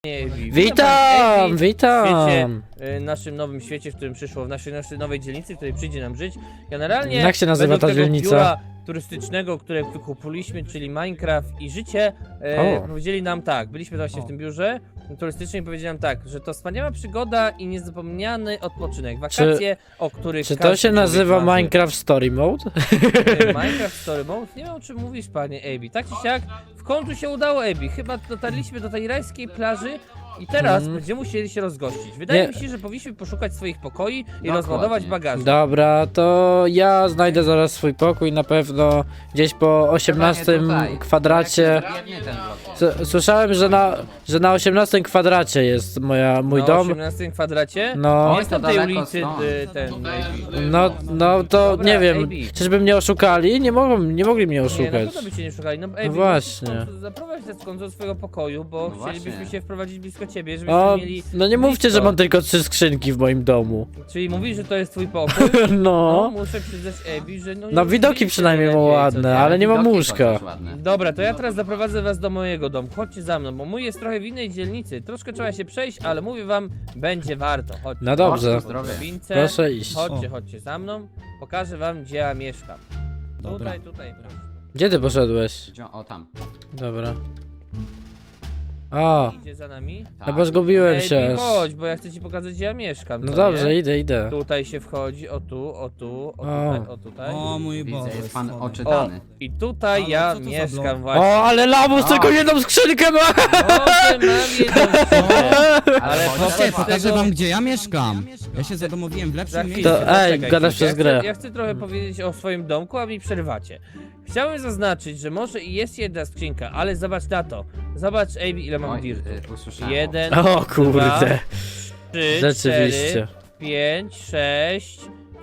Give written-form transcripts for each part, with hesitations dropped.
Witam, w witam! świecie, naszym nowym świecie, w którym przyszło, w naszej nowej dzielnicy, w której przyjdzie nam żyć. Generalnie Jak się nazywa według ta tego dzielnica? biura turystycznego, które wykupiliśmy, czyli Minecraft i życie, powiedzieli nam tak, byliśmy właśnie w tym biurze turystycznym i powiedzieli nam tak, że to wspaniała przygoda i niezapomniany odpoczynek, wakacje, o których Czy to każdy się człowiek nazywa marzy. Minecraft Story Mode? Minecraft Story Mode? Nie wiem, o czym mówisz, panie Abi. Tak czy siak, w końcu się udało, Abi. Chyba dotarliśmy do tej rajskiej plaży i teraz będziemy musieli się rozgościć. Wydaje mi się, że powinniśmy poszukać swoich pokoi i rozładować bagaże. Dobra, to ja znajdę zaraz swój pokój, na pewno gdzieś po 18 kwadracie. Słyszałem, że na 18 kwadracie jest mój Na dom. 18 kwadracie? No, Jest na tej ulicy ten Abi. no to Dobra, nie wiem, Abi. czyżby mnie oszukali? Nie mogli mnie Nie, na oszukać. pewno by cię nie szukali. No, Abi, No właśnie. Zaprowadź nas w końcu do swojego pokoju, bo No chcielibyśmy właśnie. się wprowadzić blisko ciebie, żebyśmy O, mieli no nie mówcie, blisko. że mam tylko 3 skrzynki w moim domu. Czyli mówisz, że to jest twój pokój? No, No, muszę przyznać Abi, że no widoki przynajmniej ma ładne, ale nie mam łóżka. Dobra, to ja teraz zaprowadzę was do mojego domu. Chodźcie za mną, bo mój jest trochę w innej dzielnicy. Troszkę trzeba się przejść, ale mówię wam, będzie warto. Chodźcie. No dobrze, Drobince. proszę iść. Chodźcie za mną. Pokażę wam, gdzie ja mieszkam. Dobra. Tutaj. Gdzie ty poszedłeś? O, tam. Dobra. O, Idzie za nami. no bo zgubiłem Ej, się. chodź, bo ja chcę ci pokazać, gdzie ja mieszkam. No co dobrze, nie? idę. Tutaj się wchodzi, o tutaj. O mój Widzę, Boże. jest pan schody. O, oczytany. i tutaj Ale ja co to za mieszkam blok? właśnie. O, ale lamus tylko jedną skrzynkę ma! Może mam jedną skrzynkę, ale chodź, wobec Chodźcie, pokażę tego- wam, gdzie ja mieszkam. Ja się zadomowiłem w Za lepszym chwilę, miejscu. To- ej, zaczekaj gadasz chwilkę. przez grę. Ja chcę trochę powiedzieć o swoim domku, a mi przerwacie. Chciałem zaznaczyć, że może i jest jedna skrzynka, ale zobacz na to. Zobacz, Abi, ile mam Oj, dirtu. usłyszałem. 1, O kurde, 3, rzeczywiście. 5, 6,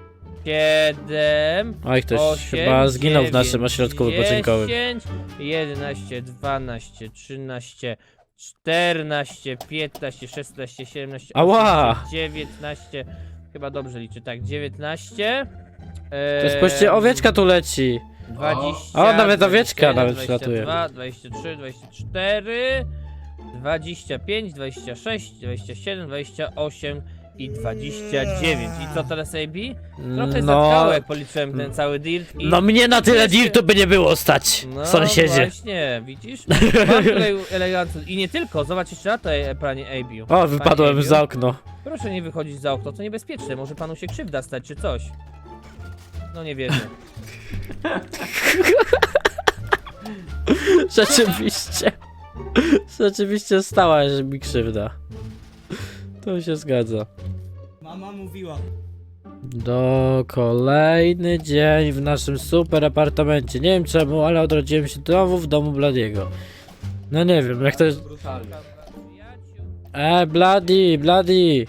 7, Oj, ktoś 8, chyba zginął w 9, naszym ośrodku wypoczynkowym. 10, 11, 12, 13, 14, 15, 16, 17, Ała! 18, 19, chyba dobrze liczę, tak, 19, To jest właściwie owieczka tu leci. 20, O, nawet owieczka 21, nawet 22, 23, 24, 25, 26, 27, 28 i 29. I co teraz, AB? Trochę No, zatkało, jak policzyłem ten cały dirt i... no mnie na tyle Jeszcze- dirtu by nie było stać, No sąsiedzie. właśnie, widzisz? Mam tutaj elegancko. I nie tylko, zobacz jeszcze na to, panie AB. O, wypadłem Panie za Abiu, okno. Proszę nie wychodzić za okno, to niebezpieczne, może panu się krzywda stać, czy coś. No nie wierzę. Rzeczywiście. Rzeczywiście stała się mi krzywda. To się zgadza. Mama mówiła. Kolejny dzień w naszym super apartamencie. Nie wiem czemu, ale odrodziłem się znowu w domu Bladiego. No nie wiem, jak to jest... Bloody!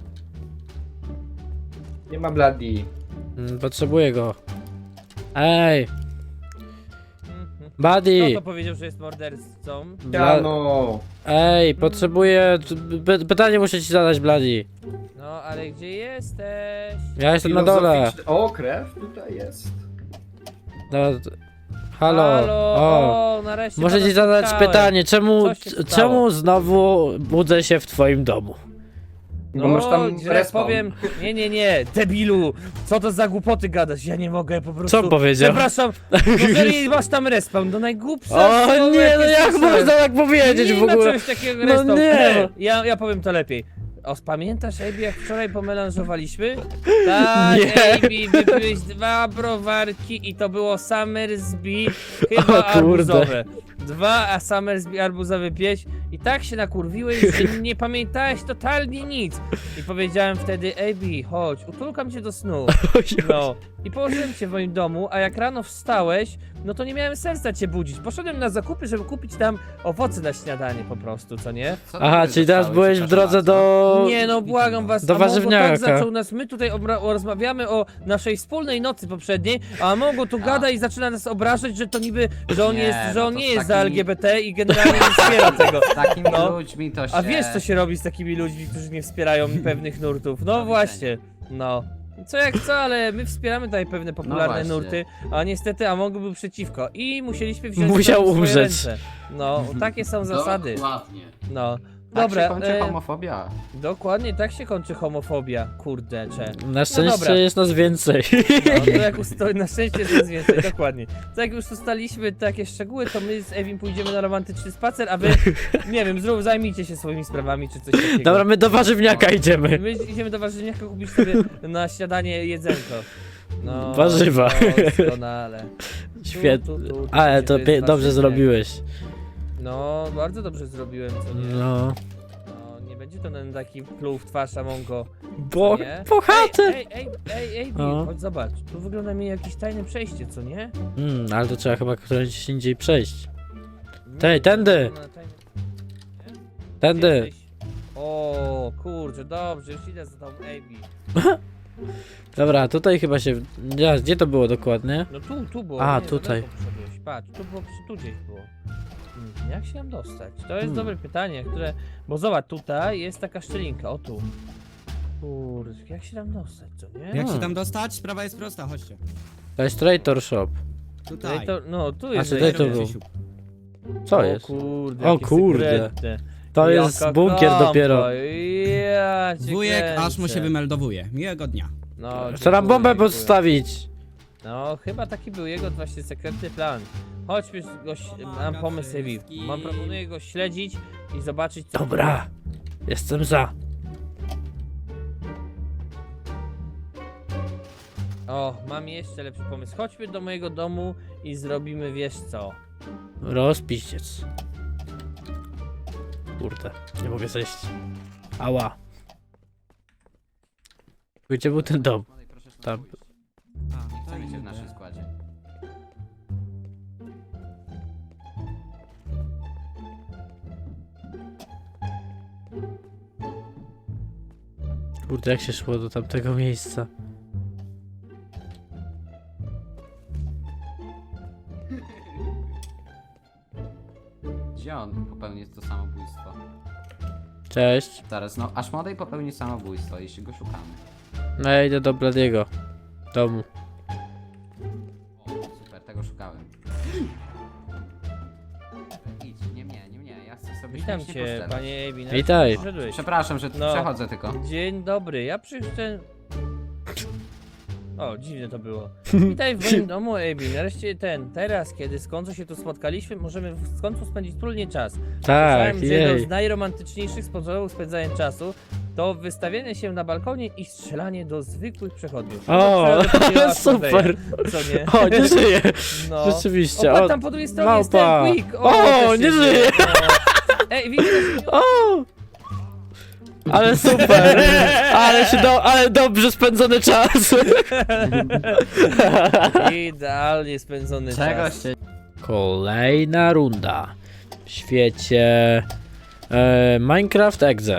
Nie ma Bloody. Potrzebuję go. Ej, Kto Buddy! to powiedział, że jest mordercą? Siano. Ej, potrzebuję... Pytanie muszę ci zadać, Bloody. No, ale gdzie jesteś? Ja jestem na dole. O, krew tutaj jest. No, halo. O. Nareszcie Muszę pana ci zadać spotkałem. pytanie, Co się stało? czemu znowu budzę się w twoim domu? Bo masz tam że jak respawn. powiem, nie, debilu, co to za głupoty gadasz, ja nie mogę po prostu. Co on powiedział? Przepraszam, jeżeli masz tam respawn, to najgłupsza O rzecz, nie, no jakie jak słyszałem. można tak powiedzieć Nie w ma ogóle? czegoś takiego No respawn. nie. Ja powiem to lepiej. Pamiętasz, Abi, jak wczoraj pomelanżowaliśmy? Tak, Nie. Abi, wypiłeś 2 browarki i to było Summersby, chyba O kurde. arbuzowe. 2 Summersby arbuzowe pieś i tak się nakurwiłeś, że nie pamiętałeś totalnie nic. I powiedziałem wtedy, Abi, chodź, utulkam cię do snu. No. I położyłem cię w moim domu, a jak rano wstałeś, no to nie miałem serca cię budzić. Poszedłem na zakupy, żeby kupić tam owoce na śniadanie po prostu, co nie? Co ty Aha, tutaj czyli teraz zostałeś, byłeś w przepraszam drodze bardzo? do... Nie no, błagam was, Do a Mongo warzywniaka. tak zaczął nas, my tutaj rozmawiamy o naszej wspólnej nocy poprzedniej, a Mongo tu gada i zaczyna nas obrażać, że to niby, że on Nie, jest, że no on to nie z jest za takimi- LGBT i generalnie nie wspiera tego. Z takimi No. ludźmi to się... A wiesz co się robi z takimi ludźmi, którzy nie wspierają pewnych nurtów? No właśnie, no. Co jak co, ale my wspieramy tutaj pewne popularne właśnie. nurty, a niestety Amongo był przeciwko i musieliśmy wziąć Musiał to w swoje umrzeć. ręce. No, takie są zasady. Dokładnie. No. Dobra, się kończy homofobia. dokładnie tak się kończy homofobia, kurde, cze. Na szczęście dobra. jest nas więcej. No, to jak na szczęście jest nas więcej, dokładnie. To jak już ustaliliśmy takie szczegóły, to my z Ewim pójdziemy na romantyczny spacer, a wy, nie wiem, zajmijcie się swoimi sprawami czy coś takiego. Dobra, my do warzywniaka idziemy. My idziemy do warzywniaka kupić sobie na śniadanie jedzonko. No, Warzywa. doskonale. Świetnie. Tu, Ale to jest dobrze warzywne. zrobiłeś. No, bardzo dobrze zrobiłem, co nie? No. No, nie będzie to ten taki pluł w twarz Amongo. Bo Nie? chatę. Ej, No. chodź zobacz, tu wygląda mi jakieś tajne przejście, co nie? Ale to trzeba chyba któręś indziej przejść. Nie, Tej, tędy. wygląda tajne- Tędy. Jesteś? O, kurczę, dobrze, już idę za tą Amy. Dobra, tutaj chyba się... Gdzie to było dokładnie? No tu było. A, nie, tutaj. za daleko poszedłeś. Patrz, tu gdzieś było. Jak się tam dostać? To jest dobre pytanie, które... Bo zobacz, tutaj jest taka szczelinka, o tu. Kurde, jak się tam dostać, co nie? Jak się tam dostać? Sprawa jest prosta, chodźcie. To jest Traitor Shop. Tutaj. No, tu A jest... czy tutaj to wejście. był? Co O jest? Kurde, O jakie kurde. sekretne. To jest Jaka bunkier kampa, dopiero. Ja cię Wujek aż mu się kręcę. wymeldowuje. Miłego dnia. No, Chcę nam bombę dziękuję. podstawić. No, chyba taki był jego właśnie sekretny plan. Chodźmy, mam pomysł, Ewi. Proponuję go śledzić i zobaczyć, co... Dobra. Jestem za. O, mam jeszcze lepszy pomysł. Chodźmy do mojego domu i zrobimy, wiesz co? Rozpiściec. Kurde, nie mogę zejść. Ała. Gdzie był ten dom? Tam. A, Chcemy cię w naszym składzie. Kurde, jak się szło do tamtego miejsca? Gdzie on popełni to samobójstwo? Cześć. Zaraz, no, aż młodej popełni samobójstwo, jeśli go szukamy. No ja idę do Bladiego domu. O, super, tego szukałem. Idź, nie mnie, ja chcę sobie Witam śmiesznie cię, poszczerać. panie Ebi. Witaj. Przyszedłeś. Przepraszam, że No. przechodzę tylko. Dzień dobry, ja przyszedłem... O, dziwne to było. Witaj w moim domu, Ebi. Nareszcie teraz, kiedy z końcu się tu spotkaliśmy, możemy w końcu spędzić wspólnie czas. Tak, Słyszałem, że jedną z jej. najromantyczniejszych sposobów spędzania czasu to wystawianie się na balkonie i strzelanie do zwykłych przechodniów. O, To przechodzenie super. Asmodeja, co nie? O, nie żyje. No. Rzeczywiście. O, patrz, O, tam po drugiej stronie małpa. jest ten Quick. O, też nie jest, żyje. no. Ej, widzisz? o! Ale super. Ale dobrze spędzony czas. Idealnie spędzony Czegoś czas. się... Kolejna runda w świecie Minecraft Exe.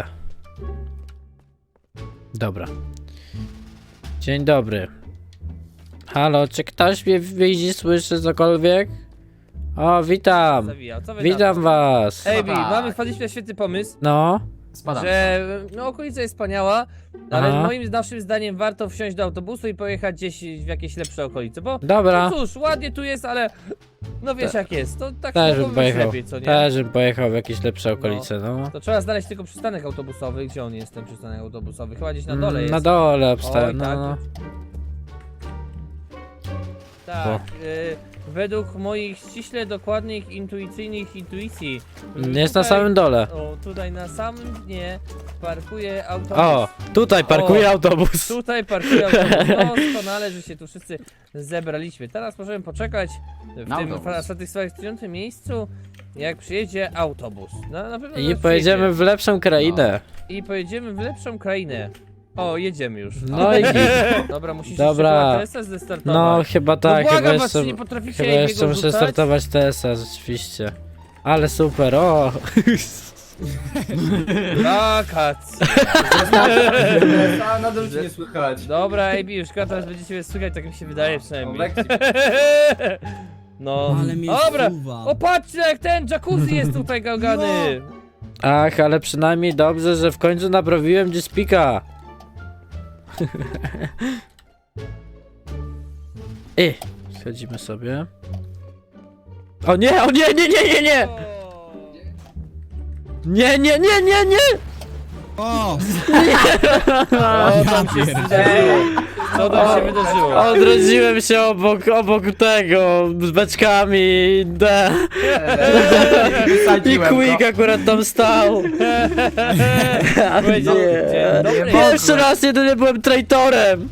Dobra. Dzień dobry. Halo, czy ktoś mnie widzi, słyszy cokolwiek? O, witam. Zawijał. Co wy Witam was. Ej, Bi, Tak. wpadliśmy na świetny pomysł, No, Spadam. że no okolica jest wspaniała, ale Aha. moim naszym zdaniem warto wsiąść do autobusu i pojechać gdzieś w jakieś lepsze okolice, bo dobra. no cóż, ładnie tu jest, ale no wiesz jak jest, to tak Też bym mogło być pojechał. lepiej, co nie? Też bym pojechał w jakieś lepsze okolice, no. To trzeba znaleźć tylko przystanek autobusowy, gdzie on jest ten przystanek autobusowy, chyba gdzieś na dole jest. Na dole Oj, obstałem, no, tak. no. Tak, według moich ściśle dokładnych, intuicyjnych intuicji. Jest na samym dole. O, tutaj na samym dnie parkuje autobus. O, tutaj parkuje O. autobus. Tutaj parkuje autobus. Doskonale, że się tu wszyscy zebraliśmy. Teraz możemy poczekać w Na tym autobus. satysfakcjonującym miejscu, jak przyjedzie autobus. No, na pewno I nas pojedziemy przyjedzie. w lepszą krainę. I pojedziemy w lepszą krainę. O, jedziemy już. No i git. Dobra, musisz Dobra. jeszcze TSS zestartować. No chyba tak, no chyba błagam was, jeszcze, czy nie potraficie chyba jeszcze jego muszę rzucać? startować TS-a, rzeczywiście. Ale super, o! Wakacje. A, nadal cię nie słychać. Dobra, AB, już teraz będziecie mnie słychać, tak mi się wydaje przynajmniej. lekcji. No, Ale mnie dobra. zsuwa. O, patrzcie jak ten jacuzzi jest tutaj gałgany. Ach, ale przynajmniej dobrze, że w końcu naprawiłem G-Speaka. Schodzimy sobie. O nie, nie! O. Nie, nie, nie, nie, nie! O! O, tam się wydarzyło. Co tam się wydarzyło? Odrodziłem się obok tego, z beczkami, i Wysadziłem Quick akurat tam stał. A Powiedział, nie. dzień dobry. Pierwszy raz jedynie byłem traitorem.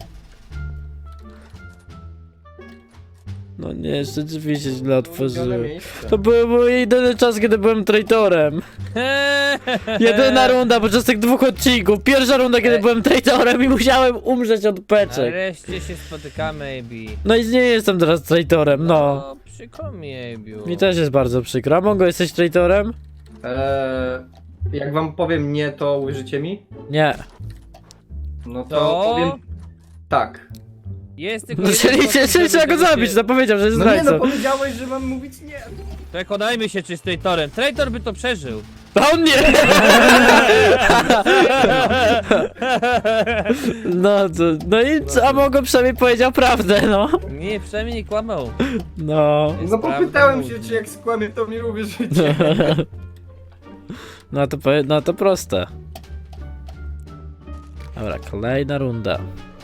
No nie, rzeczywiście źle otworzyłem. To był mój jedyny czas, kiedy byłem traitorem. Jedyna runda podczas tych 2 odcinków. Pierwsza runda, kiedy byłem traitorem i musiałem umrzeć od beczek. Nareszcie się spotykamy, AB. No i nie jestem teraz traitorem, no. Przykro mi, Abiu. Mi też jest bardzo przykro. A Mongo, jesteś traitorem? Jak wam powiem nie, to uwierzycie mi? Nie. No to To? powiem tak. Jest tylko No, jeden czyli sposób, żeby trzeba go tego zabić, się- zapowiedział, że jest No nie, no zdrajcą. powiedziałeś, że mam mówić nie. Przekonajmy się, czy jest traitorem. Traitor by to przeżył. A on nie! No to, no i co, a Mongo przynajmniej powiedział prawdę, no. Nie, przynajmniej nie kłamał. No. Jest No prawda, popytałem się, mówi. czy jak skłamię, to mi uwierzycie. No to proste. Dobra, kolejna runda.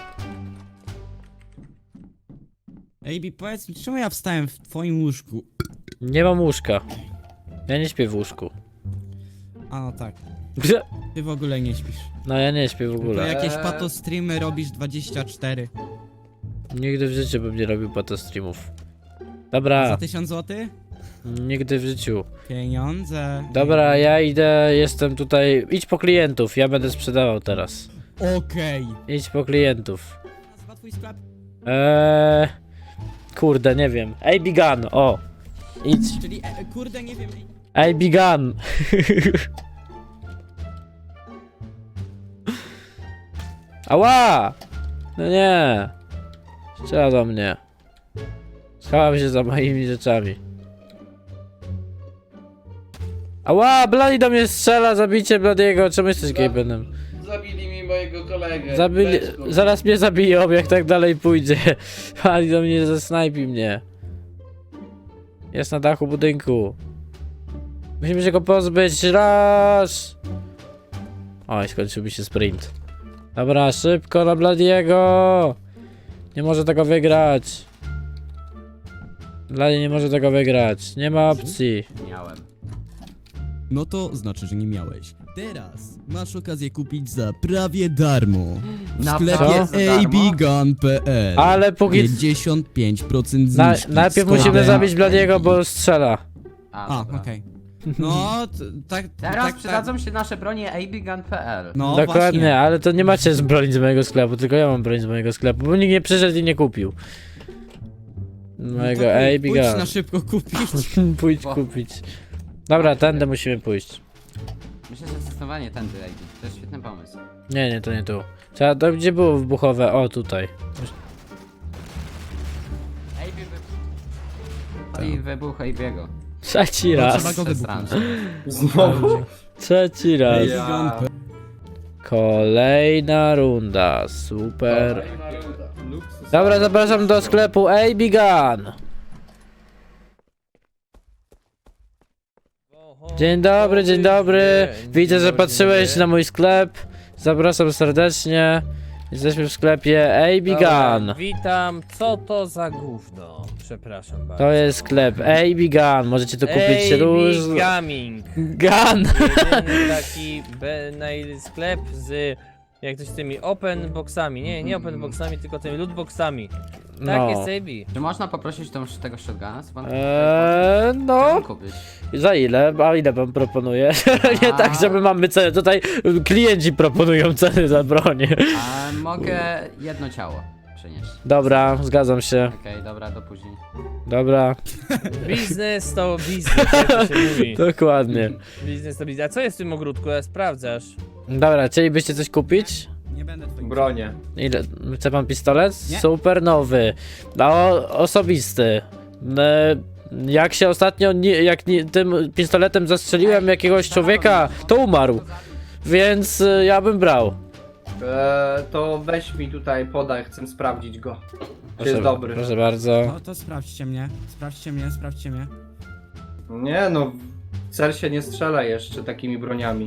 AB, powiedz mi, czemu ja wstałem w twoim łóżku? Nie mam łóżka. Ja nie śpię w łóżku. A no tak, ty w ogóle nie śpisz. No ja nie śpię w Tylko ogóle. jakieś pato streamy robisz 24. Nigdy w życiu bym nie robił pato streamów. Za Dobra, 1000 zł? nigdy w życiu. Pieniądze. Dobra, ja idę, jestem tutaj. Idź po klientów, ja będę sprzedawał teraz. Okej. Idź po klientów. Nazywa twój sklep? Kurde, nie wiem. AB Gun, o. Idź. Czyli, kurde, nie wiem. AB Gun. Ała! No nie. Strzela do mnie. Schowam się za moimi rzeczami. Ała! Bloody do mnie strzela, zabijcie Bloody'ego. Czemu jesteś Gabenem? Zabili mi mojego kolegę. Zabili... Beczką. Zaraz mnie zabiją, jak tak dalej pójdzie. Ali do mnie zasnajpi mnie. Jest na dachu budynku. Musimy się go pozbyć. Raz! Oj, skończył mi się sprint. Dobra, szybko na Bladiego! Nie może tego wygrać. Blady nie może tego wygrać. Nie ma opcji. Miałem. No to znaczy, że nie miałeś. Teraz masz okazję kupić za prawie darmo. W Naprawdę sklepie za darmo? abgun.pl. Ale póki... 55% zniżki. Najpierw z musimy kodem zabić Bladiego, AB. bo strzela. A, dobra. okej. No, tak, Teraz przydadzą się nasze bronie abgun.pl. No, Dokładnie, właśnie. ale to nie macie z broni z mojego sklepu, tylko ja mam broń z mojego sklepu, bo nikt nie przyszedł i nie kupił. Mojego No to AB pójdź na Gun. szybko kupić. Pójdź kupić. Dobra, tędy musimy pójść. Myślę, że zdecydowanie tędy AB. To jest świetny pomysł. Nie, to nie tu. Trzeba, to gdzie było wybuchowe? O, tutaj. AB I wybuch AB'ego. Trzeci No, raz. trzeba go wybuchnąć. Znowu? Trzeci raz. Ja. Kolejna runda. Super. Luksus. Dobra, zapraszam do sklepu AB Gun. Dzień dobry, dzień dobry. Widzę, że patrzyłeś na mój sklep. Zapraszam serdecznie. Jesteśmy w sklepie AB Gun. Witam, co to za gówno? Przepraszam bardzo. To jest sklep AB Gun. Możecie tu kupić róż... Gaming. Gun. Jedyny taki sklep z... Jak to z tymi open boxami. Nie open boxami, tylko tymi loot boxami. Tak No. jest AB. Czy można poprosić tego shotguna? Co pan No. Chciałem kupić. Za ile? A ile pan proponuje? Nie tak, że my mamy cenę. Tutaj klienci proponują ceny za broń. A mogę jedno ciało przynieść. Dobra, zgadzam się. Okej, dobra, do później. Dobra, Biznes to biznes, jak to się mówi. dokładnie. Biznes to biznes. A co jest w tym ogródku? Ja sprawdzasz. Dobra, chcielibyście coś kupić? Nie będę twoim. Bronie. Ile? Chce pan pistolet? Nie. Super nowy. No, osobisty. Jak się ostatnio, tym pistoletem zastrzeliłem jakiegoś człowieka, to umarł. Więc ja bym brał. To weź mi tutaj, podaj, chcę sprawdzić go. Czy jest dobry. Proszę bardzo. No to sprawdźcie mnie. Sprawdźcie mnie. Nie no, Cel się nie strzela jeszcze takimi broniami.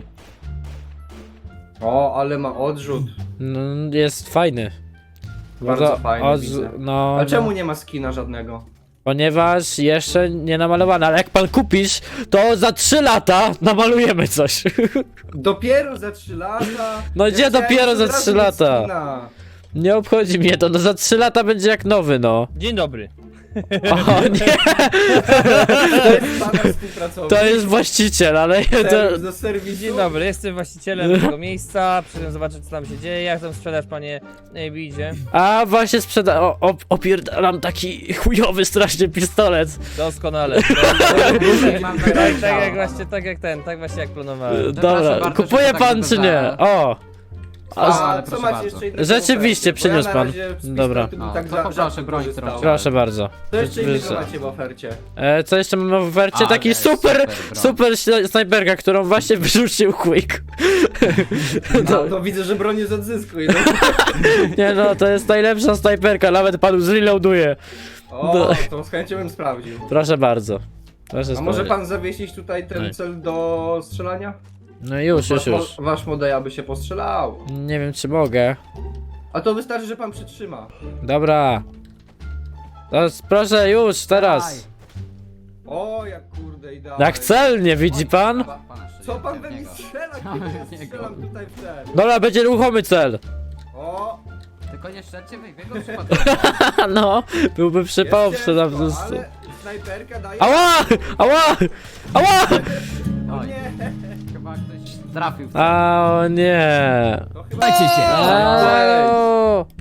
O, ale ma odrzut. No, jest fajny. Bardzo fajny, widzę. No, A czemu no, nie ma skina żadnego? ponieważ jeszcze nie namalowany, ale jak pan kupisz, to za 3 lata namalujemy coś. Dopiero za 3 lata? No gdzie chciałem dopiero od za razu 3 mieć lata? skina. Nie obchodzi mnie to, no za 3 lata będzie jak nowy, no. Dzień dobry. O nie, To jest pana współpracownik. to jest właściciel, ale to... Serwis do serwisu. Dzień dobry, jestem właścicielem tego miejsca. Przyszedłem zobaczyć, co tam się dzieje. Jak tam sprzedaż, panie idzie? A właśnie opierdalam taki chujowy strasznie pistolet. Doskonale. Mam Tak, wejście. tak jak właśnie, tak właśnie jak planowałem. Dobra, bardzo, kupuje że to pan tak czy nie? wygląda. O! A ale co proszę macie bardzo. jeszcze innego? Rzeczywiście, w ofercie? Bo przyniósł ja na pan. razie z Dobra. pistoletu bym O, tak to za- poproszę rzadko broń, korzystał. którą Proszę bardzo. Co jeszcze innego Wyżej. macie w ofercie? Co jeszcze mamy w ofercie? Ale Taki super, broń. super snajperka, którą właśnie wyrzucił Quick. No, to widzę, że broń jest odzyskuj. No. Nie no, to jest najlepsza snajperka, nawet panu zreloaduje. O, No. to z chęcią bym sprawdził. Proszę bardzo. Proszę A może sprawdzić. pan zawiesić tutaj ten Nie. cel do strzelania? No już. Wasz model aby się postrzelał. Nie wiem czy mogę. A to wystarczy, że pan przytrzyma. Dobra. To proszę już, teraz. O, jak kurde idealnie. Jak celnie, widzi pan? Pana szyję, Co pan w we mnie niego. strzela, Co kiedy we ja niego? strzelam tutaj w cel? Dobra, będzie ruchomy cel. O, Tylko nie strzelcie w jego przypadku. No, byłby przypał jest przy na ciężko, prostu. ale snajperka daje... Ała! Ała! Ała! Oj, Nie, chyba ktoś trafił w A, o nie. to chyba... Dajcie się! Alo!